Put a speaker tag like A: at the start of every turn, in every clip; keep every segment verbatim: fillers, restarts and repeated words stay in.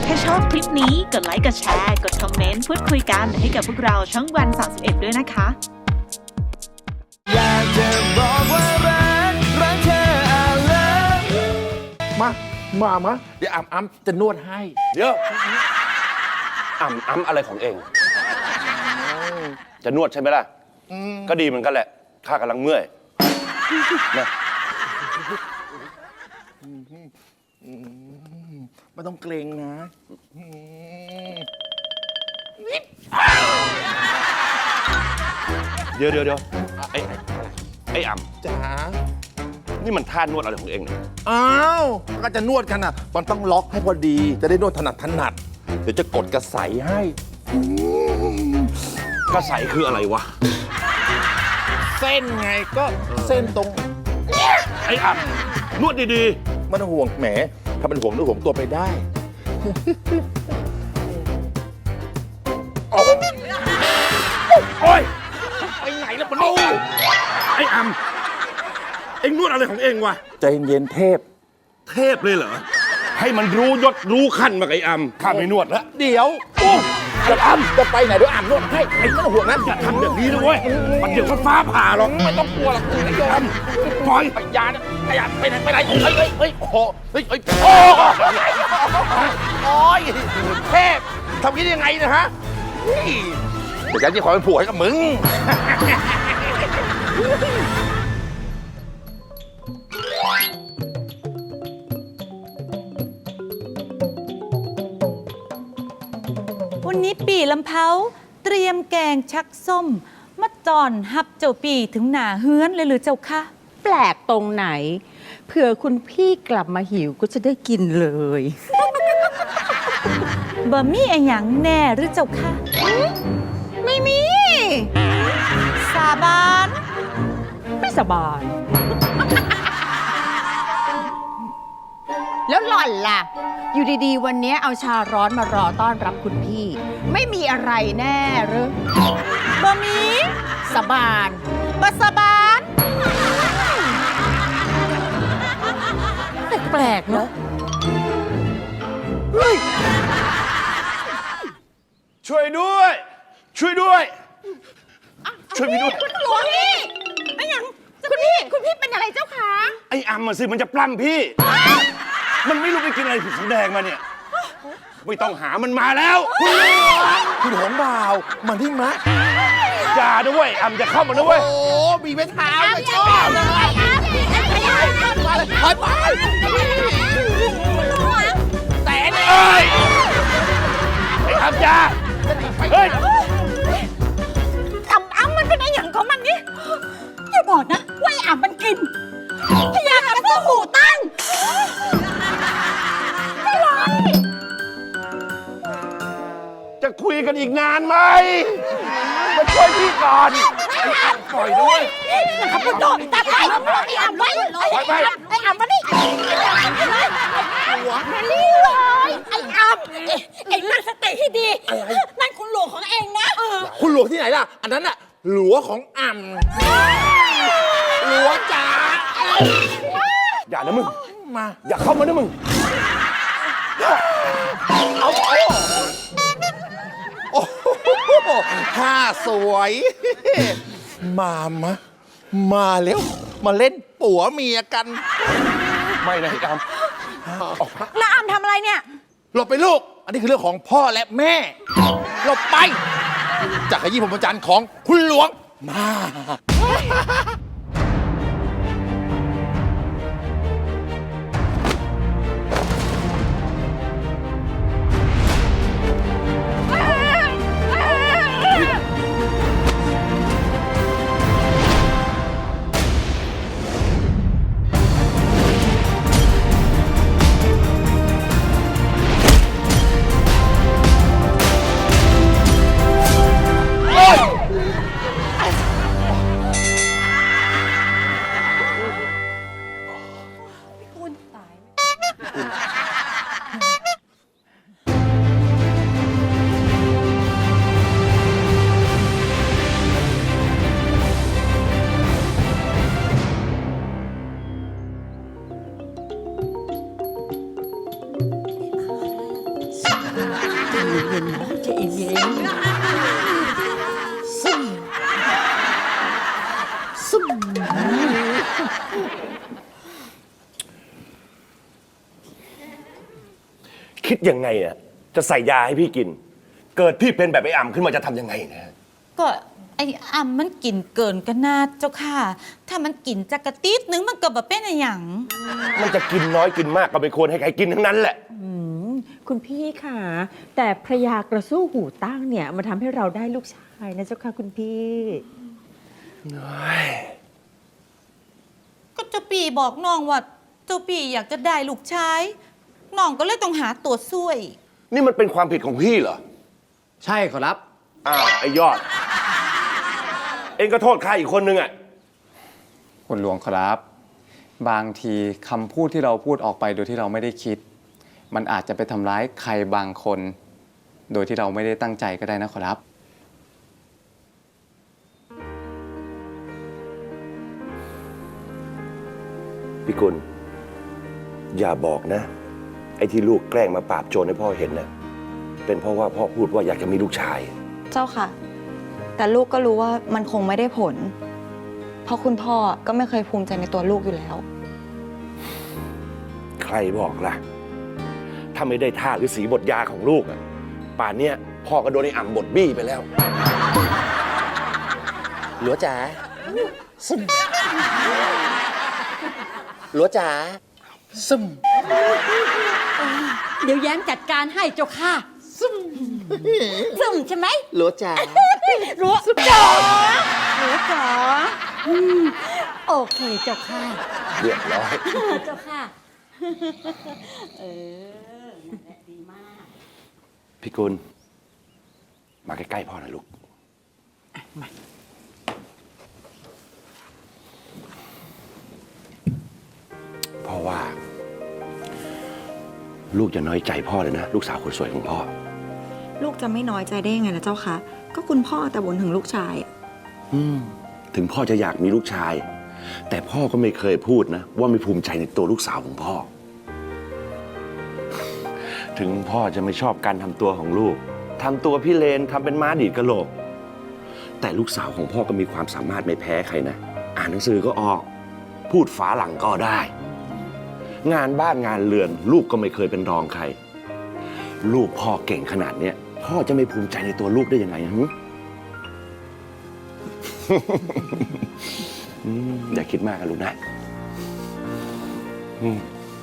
A: ถ้าชอบคลิปนี้กดไลค์กดแชร์กดคอมเมนต์พูดคุยกันให้กับพวกเราช่องวันสามสิบเอ็ดด้วยนะคะ
B: อยากจะบอกว่ารักรักเธอ I love you
C: มา มา มา เดี๋ยวอ่ำอ่ำจะนวดให้
D: เดี๋ยวอ่ำอ้ำอะไรของเอง จะนวดใช่ไหมล่ะ ก็ดีเหมือนกันแหละ ข้ากำลังเมื่อยนะ
C: ไม่ต้องเกรงนะ
D: เดี๋ยวเดี๋ยวเดี๋ยวไอ้ไอ้อ่ำ
C: จ๋า
D: นี่มันท่านวดอะไรของเองเนี่ย
C: อ้าว ก็จะนวดกันอ่ะ มันต้องล็อกให้พอดี จะได้นวดถนัดถนัด เดี๋ยวจะกดกระใสให้
D: กระใสคืออะไรวะ
C: เส้นไงก็เส้นตรง
D: ไอ้อ่ำนวดดี
C: ไม่ต้องห่วงแหม ถ้าเป็นห่วงนึกห่วงตัวไปได้
D: ๆ โอ้ยไปไหนแล้วมันนี่ไอ้อ่ำเอ็งนวดอะไรของเองวะ
C: ใจเย็นๆเทพ
D: เทพเลยเหรอ ให้มันรู้ยศรู้ขั้นมาไอ้อ่ำข้าไม่นวดแล้ว
C: เดี๋ยวโอ้จะอ่ำจะไปไหนเดี๋ยวอ่ำนวดให้ไอ้ไม่ต้องห่วงนะ
D: อย่าทำแบบนี้นะเว้ย มันเดี๋ยวมันฟ้าผ่าหรอก
C: ไม่ต้องกลัวหรอกคุณนายโยม
D: ปล่อย
C: ไปยานะไปยาไปไหนไปไหนเฮ้ยเฮ้ยเฮ้ยโอ้โหเฮ้ยเฮ้ยโอ้ยเทพทำงี้ได้ยังไงนะฮะเฮ้ยเดี๋ยวฉันจะขอเป็นผัวให้กับมึง
E: วันนี้ปีลำเพาเตรียมแกงชักส้มมาจอนฮับเจ้าปีถึงหนาเฮือนเลยหรือเจ้าคะ
F: แปลกตรงไหน เผื่อคุณพี่กลับมาหิวก็จะได้กินเลย
E: บะมี่ไอหยังแน่หรือเจ้าคะ
F: ไม่มี
E: สาบาน
F: ไม่สบาย แล้วหล่อนล่ะ อยู่ดีๆ วันนี้เอาชาร้อนมารอต้อนรับคุณพี่ ไม่มีอะไรแน่หรือบ
E: ะมี่
F: สบาน
E: บะสาบาน
F: แปลกๆเนอะ
D: ช่วยด้วย ช่วยด้วย ช่วยพี่ด้วย
F: คุณหลวงพี่ไม่ยังคุณพี่ คุณพี่เป็นอะไรเจ้าคะ
D: ไอ้อ่ำมาสิ มันจะปล้ำพี่ มันไม่รู้ไปกินอะไรผิดสีแดงมาเนี่ย ไม่ต้องหามันมาแล้ว
C: คุณหงบ่าวมันที่มะ
D: อย่าด้วยอ่ำจะเข้ามาด้วย
C: โอ้มีไม้เท้าไม่ชอบเลยถอยไปแต่เนี่ย
D: เอ้ย ไอ้อ่ำอย่าเฮ้ย
E: อ่ำอ่ำมันเป็นไอหยังของมันนี่อย่าบอกนะว่าไออ่ำมันกินพยากับตัวหูตั้งไม่ไหว
D: จะคุยกันอีกนานไหมมาช่วยพี่ก่อน ไอ้อ่ำปล่อยด้วย
E: นะครับคุณโดดตัดไอ้อ่ำไอ้อ่ำไว้
D: ไปไป
E: ไอ้อ่ำมานี่หัวมานี่เลยไอ้อ่ำเอ็งตั้งสติให้ดีนั่นคุณหลวงของเองนะ
C: คุณหลวงที่ไหนล่ะ อันนั้นน่ะหลวงของอ่ำหลวงจ๋า
D: อย่านะมึง
C: มา
D: อย่าเข้ามานะมึง
C: เอาเอาโอ้โหท่าสวย มามะ มาแล้ว มาเล่นปัวเมียกัน
D: ไม่นะไอ้อ่ำ
E: แล้วอ่ำทำอะไรเนี่ย
C: หลบไปลูก อันนี้คือเรื่องของพ่อและแม่ หลบไป จากขยี้ผมประจันทร์ของคุณหลวง มา
D: ไ
G: เย็นๆน้องใจเย็นซึมซึม
D: คิดยังไงอ่ะจะใส่ยาให้พี่กิน เกิดพี่เป็นแบบไอ้อ่ำขึ้นมาจะทำยังไงนะ
E: ก็ไอ้อ่ำมันกินเกินกันนาเจ้าค่ะ ถ้ามันกินจักกะติดนึงมันก็บ่เป็นอะไรหยัง
D: มันจะกินน้อยกินมากก็ไม่ควรให้ใครกินทั้งนั้นแหละ
G: อืมคุณพี่ค่ะ แต่พระยากระสู้หูตั้งเนี่ยมันทำให้เราได้ลูกชายนะเจ้าค่ะคุณพี่
E: ก็เจ้าปีบอกน้องว่าเจ้าปีอยากจะได้ลูกชายน้องก็เลยต้องหาตัวช่วย
D: นี่มันเป็นความผิดของพี่เหรอ
B: ใช่ขอรับ
D: อ้าวไอ้ยอด เองก็โทษใครอีกคนนึงอ่ะ
H: คุณหลวงครับ บางทีคำพูดที่เราพูดออกไปโดยที่เราไม่ได้คิด มันอาจจะไปทำร้ายใครบางคน โดยที่เราไม่ได้ตั้งใจก็ได้นะขอรับ
D: พี่กุลอย่าบอกนะ ไอ้ที่ลูกแกล้งมาปราบโจรให้พ่อเห็นนะเป็นเพราะว่าพ่อพูดว่าอยากจะมีลูกชาย
I: เจ้าค่ะ แต่ลูกก็รู้ว่ามันคงไม่ได้ผล เพราะคุณพ่อก็ไม่เคยภูมิใจในตัวลูกอยู่แล้ว
D: ใครบอกล่ะ ถ้าไม่ได้ท่าหรือสีบทยาของลูกอะป่านเนี้ยพ่อก็โดนไอ้อ่ำบทบี้ไปแล้ว
B: หลัวจ๋าซึมหลัวจ๋าซึม
G: เดี๋ยวแย้มจัดการให้เจ้าค่ะซึมซึมใช่ไหม
B: หลัวจ๋า
G: รู้จ๋ารู้จ๋าอืมโอเคเจ้าค่ะ
D: เรียบร้อย
G: เจ้าค่ะ เออดีมาก
D: พี่กุลมาใกล้ๆพ่อหน่อยลูก พ่อว่า ลูกจะน้อยใจพ่อเลยนะ ลูกสาวคนสวยของพ่อ
I: ลูกจะไม่น้อยใจได้ยังไงล่ะเจ้าคะก็คุณพ่อแต่บ่นถึงลูกชาย
D: อืมถึงพ่อจะอยากมีลูกชาย แต่พ่อก็ไม่เคยพูดนะ ว่าไม่ภูมิใจในตัวลูกสาวของพ่อ ถึงพ่อจะไม่ชอบการทำตัวของลูกทำตัวพี่เลนทำเป็นม้าดีดกะโหลก แต่ลูกสาวของพ่อก็มีความสามารถไม่แพ้ใครนะ อ่านหนังสือก็ออก พูดฝาหลังก็ได้ งานบ้านงานเรือน ลูกก็ไม่เคยเป็นรองใคร ลูกพ่อเก่งขนาดเนี้ยพ่อจะไม่ภูมิใจในตัวลูกได้ยังไงฮะ อืมอย่าคิดมากนะลูกนะอืม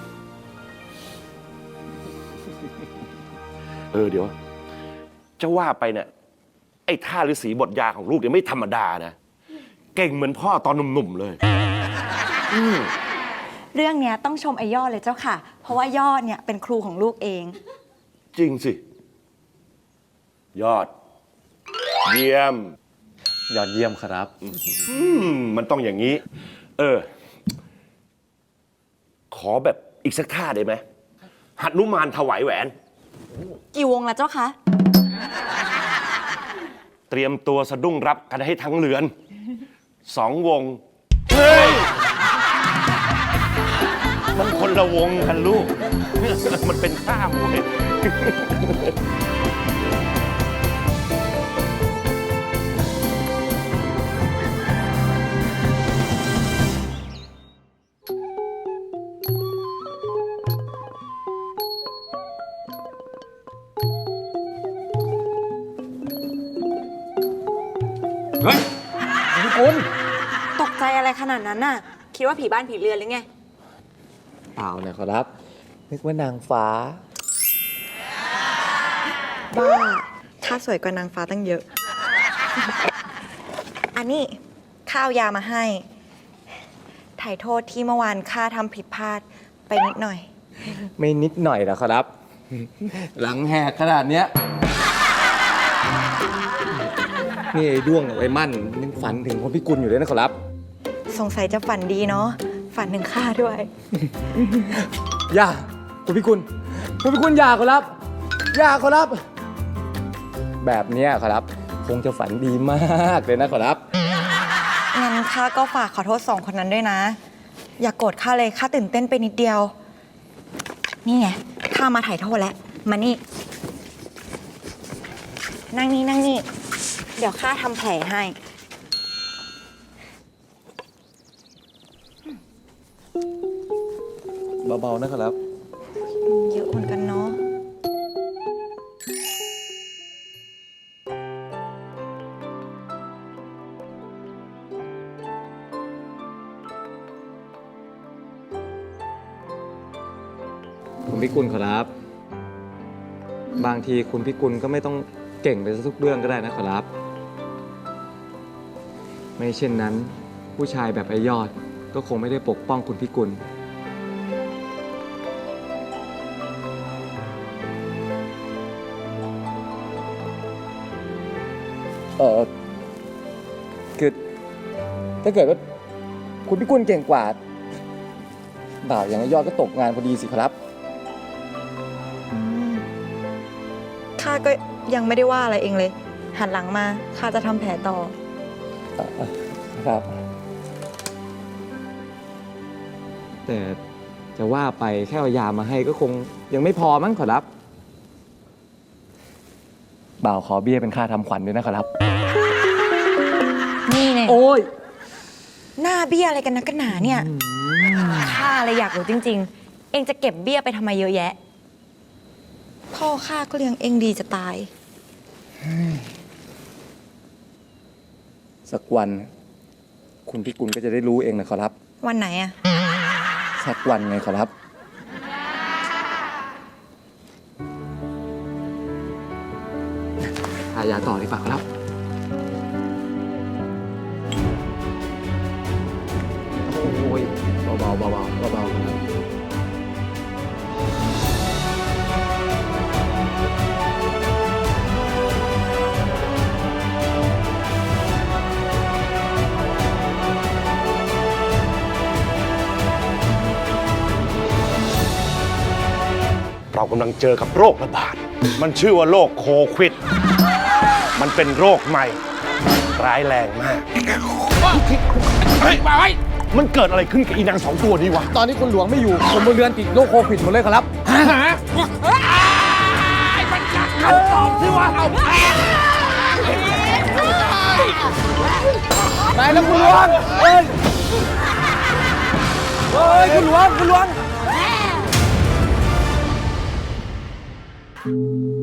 D: เออเดี๋ยว จะว่าไปเนี่ยไอ้ท่าฤาษีบทยาของลูกเนี่ยไม่ธรรมดานะ เก่งเหมือนพ่อตอนหนุ่มๆเลยอืม
I: เรื่องเนี้ยต้องชมไอ้ยอดเลยเจ้าค่ะ เพราะว่ายอดเนี่ยเป็นครูของลูกเอง
D: จริงสิ ยอด เยี่ยม
H: ยอดเยี่ยมครับ
D: อืมมันต้องอย่างนี้ เออ ขอแบบอีกสักท่าได้ไหมหันุมานถวายแหวน
I: กี่วงล่ะเจ้าคะ
D: เตรียมตัวสะดุ้งรับกันให้ทั้งเรือน สองวง เฮ้ย มันคนละวงกันลูก มันเป็นท่ามวย
I: ตกใจอะไรขนาดนั้นน่ะ คิดว่าผีบ้านผีเรือนหรือไง
B: เปล่าเลยขอรับ นึกว่านางฟ้า
I: บ้าข้าสวยกว่านางฟ้าตั้งเยอะ อันนี้ข้าวยามาให้ ถ่ายโทษที่เมื่อวานข้าทำผิดพลาดไปนิดหน่อย
B: ไม่นิดหน่อยนะขอรับ หลังแหกขนาดเนี้ยนี่ไอ้ด้วงกับไอ้มั่นยังฝันถึงคนพิกุลอยู่เลยนะขอรับ
I: สงสัยจะฝันดีเนาะ ฝันถึงข้าด้วย
B: อย่าคุณพิกุลคุณพิกุลอย่าขอรับ อย่าขอรับ แบบเนี้ยขอรับ คงจะฝันดีมากเลยนะขอรับ
I: งั้นข้าก็ฝากขอโทษสองคนนั้นด้วยนะ อย่ากโกรธข้าเลยข้าตื่นเต้นไปนิดเดียว นี่ไงข้ามาถ่ายโทษแล้ว มานี่นั่งนี่นั่งนี่ เดี๋ยวข้าทำแผลให้
B: เบาๆนะครับ
I: เยอะเหมือนกันเนาะ
B: คุณพิกุลขอรับ บางทีคุณพิกุลก็ไม่ต้องเก่งไปซะทุกเรื่องก็ได้นะขอรับ ไม่เช่นนั้น ผู้ชายแบบไอยอดก็คงไม่ได้ปกป้องคุณพิกุล เออคือถ้าเกิดว่าคุณพิกุลเก่งกว่า บ่าวอย่างไอยอดก็ตกงานพอดีสิครับ
I: อืมข้าก็ยังไม่ได้ว่าอะไรเองเลย หันหลังมา ข้าจะทำแผลต่อ
B: ครับ แต่จะว่าไปแค่เอายามาให้ก็คงยังไม่พอมั้งขอรับ บ่าวขอเบี้ยเป็นค่าทำขวัญด้วยนะขอรับ
I: นี่เนี่ย
B: โอ้ย
I: หน้าเบี้ยอะไรกันนะกันหนาเนี่ย ข้าเลยอยากรู้จริง ๆ เองจะเก็บเบี้ยไปทำไมเยอะแยะ พ่อข้าก็เลี้ยงเองดีจะตาย
B: สักวัน คุณพิกุลก็จะได้รู้เองนะขอรับ
I: วันไหนอะ
B: สักวันไงขอรับ ทายาต่อดีกว่าครับ โอ้ยเบาๆเบาๆเบาๆครับ
D: เรากำลังเจอกับโรคระบาด มันชื่อว่าโรคโควิด มันเป็นโรคใหม่ ร้ายแรงมาก เฮ้ยมาไว้มันเกิดอะไรขึ้นกับอีนางสองตัวนี้วะ
B: ตอนนี้คุณหลวงไม่อยู่ คนบนเรือนติดโรคโควิดหมดเลยครับ
D: คำตอบที่ว่าเอา
B: ไหนแล้วคุณหลวงเอ้ยเฮ้ย คุณหลวง คุณหลวง